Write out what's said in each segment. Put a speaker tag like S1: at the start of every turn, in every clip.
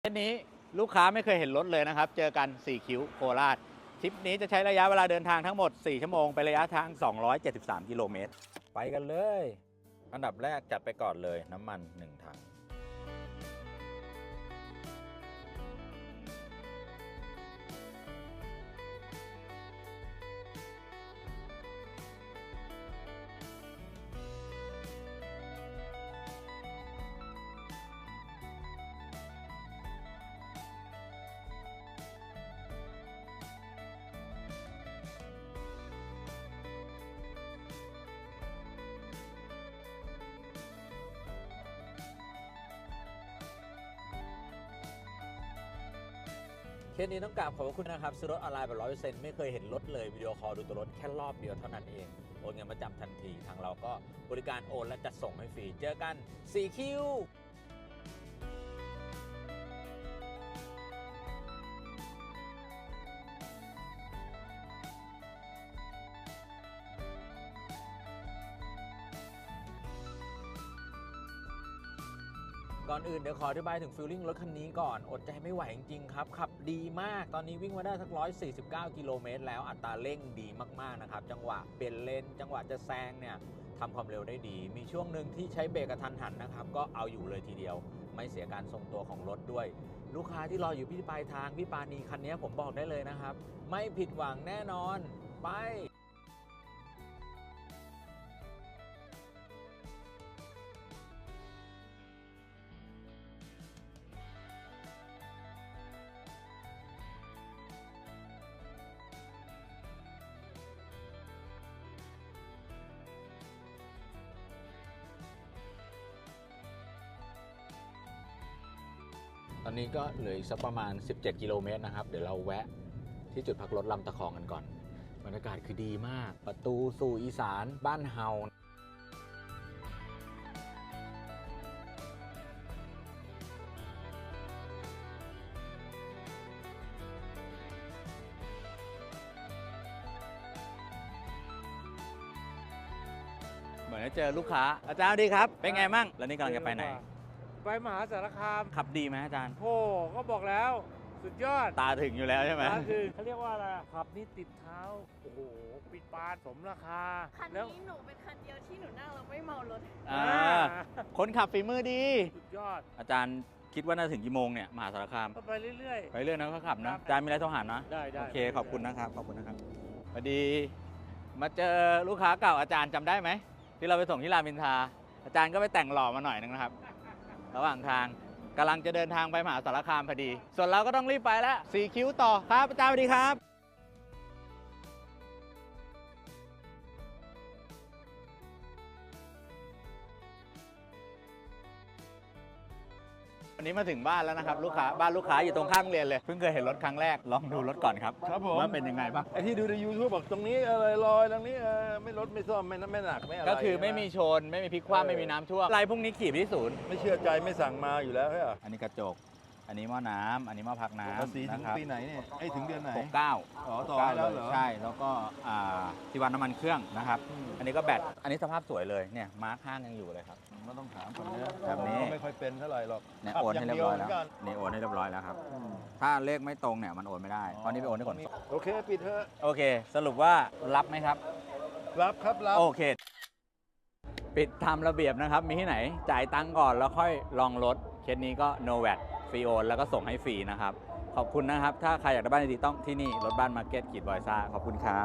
S1: เทปนี้ลูกค้าไม่เคยเห็นรถเลยนะครับเจอกัน4คิ้วโคราชทริปนี้จะใช้ระยะเวลาเดินทางทั้งหมด4ชั่วโมงไประยะทาง273กิโลเมตรไปกันเลยอันดับแรกจัดไปก่อนเลยน้ำมัน1ถังเคสนี้ต้องกราบขอบคุณนะครับซื้อรถออนไลน์แบบ100%ไม่เคยเห็นรถเลยวิดีโอคอลดูตัวรถแค่รอบเดียวเท่านั้นเองโอนเงินมาจำทันทีทางเราก็บริการโอนและจัดส่งให้ฟรีเจอกัน4คิวก่อนอื่นเดี๋ยวขออธิบายถึงฟีลลิ่งรถคันนี้ก่อนอดใจไม่ไหวจริงๆครับขับดีมากตอนนี้วิ่งมาได้สัก149กิโลเมตรแล้วอัตราเร่งดีมากๆนะครับจังหวะเปลี่ยนเลนจังหวะจะแซงเนี่ยทำความเร็วได้ดีมีช่วงหนึ่งที่ใช้เบรกกระทันหันนะครับก็เอาอยู่เลยทีเดียวไม่เสียการทรงตัวของรถด้วยลูกค้าที่รออยู่ที่ปลายทางพี่ปานีคันนี้ผมบอกได้เลยนะครับไม่ผิดหวังแน่นอนไปตอนนี้ก็เหลืออีกสักประมาณ17กิโลเมตรนะครับเดี๋ยวเราแวะที่จุดพักรถลำตะคองกันก่อนบรรยากาศคือดีมากประตูสู่อีสานบ้านเฮาเหมือนจะเจอลูกค้าอาจารย์ดีครับเป็นไงมั่งแล้วนี่กำลังจะไปไหน
S2: ไปมหาสารคาม
S1: ขับดีไหมอาจารย์
S2: โอ้ก็บอกแล้วสุดยอด
S1: ตาถึงอยู่แล้วใช่ไหม
S2: ตาถึงเขาเรียกว่าอะไรขับนี่ติดเท้าโอ้โหปิดปานสมราคา
S3: คันนี้หนูเป็นคันเดียวที่หนูนั่งแล้วไม่เมารถ
S1: คนขับฝีมือดี
S2: สุดยอด
S1: อาจารย์คิดว่าน่าถึงกี่โมงเนี่ยมหาสารคาม
S2: ก็ไปเรื่อย
S1: ไปเรื่อยนะเขาขับนะอาจารย์มีอะไรโทรหานะ
S2: ได้
S1: โอเคขอบคุณนะครับขอบคุณนะครับพอดีมาเจอลูกค้าเก่าอาจารย์จำได้ไหมที่เราไปส่งที่รามอินทราอาจารย์ก็ไปแต่งหล่อมาหน่อยนึงนะครับระหว่างทางกำลังจะเดินทางไปมหาสารคามพอดีส่วนเราก็ต้องรีบไปแล้ว4คิ้วต่อครับอาจารย์สวัสดีครับวันนี้มาถึงบ้านแล้วนะครับลูกค้าบ้านลูกค้าอยู่ตรงข้ามโรงเรียนเลยเพิ่งเคยเห็นรถครั้งแรกลองดูรถก่อนครับ
S2: ครับผม
S1: ว่าเป็นยังไงบ้าง
S2: ไอ้ที่ดูใน YouTube บอกตรงนี้อะไรลอยตรงนี้ไม่รถไม่ซ่อมไม่หนักไม่อะไร
S1: ก็คือไม่มีชนไม่มีพลิกคว่ำไม่มีน้ำท่วมอะไรพวกนี้ขี่ไปที่ศูนย์
S2: ไม่เชื่อใจไม่สั่งมาอยู่แล้วใช่ไหม
S1: อันนี้กระจกอันนี้หม้อน้ำอันนี้หม้อพักน้ำ
S2: สีถึงปีไหนเนี่ยไอ้ถึงเดือนไหน
S1: 69
S2: อ๋อต่อแล้วเหรอ
S1: ใช่แล้วก็ที่วันน้ำมันเครื่องนะครับอันนี้ก็แบตอันนี้สภาพสวยเลยเนี่ยมาร์คห้างยังอยู่เลยครับ
S2: ไม่ต้องถามคนนี้
S1: แบบนี้
S2: ไม่ค่อยเป็นเท่าไหร่หรอก
S1: เนี่ยโอนให้เรียบร้อยแล้วนี่โอนให้เรียบร้อยแล้วครับถ้าเลขไม่ตรงเนี่ยมันโอนไม่ได้ตอนนี้ไปโอนให้ก่อน
S2: โอเคปิดเถอะ
S1: โอเคสรุปว่ารับไหมครับ
S2: รับครับรับ
S1: โอเคปิดตามระเบียบนะครับมีที่ไหนจ่ายตังค์ก่อนแล้วค่อยลองรถเคสนี้ก็ no VAT ฟรีโอนแล้วก็ส่งให้ฟรีนะครับขอบคุณนะครับถ้าใครอยากได้บ้านดีๆต้องที่นี่รถบ้านมาร์เก็ตขีดบอยซ่าขอบคุณครับ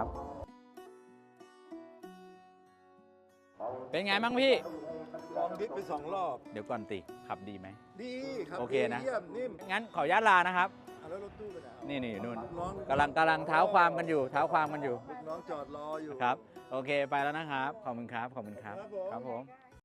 S1: เป็นไงบ้างพี่
S2: ลองดิฟไป2 รอบ
S1: เดี๋ยวก่อนติขับดีไหม
S2: ดีครับ
S1: โอเคนะ
S2: เยี่ยมนิ่ม
S1: งั้นขออนุญาตลานะครับ
S2: แล้วรถตู้ไปไหน
S1: นี่นู่นกำลังเท้าความกันอยู่
S2: น้องจอดรออยู่
S1: ครับโอเคไปแล้วนะครับขอบคุณครับครับผม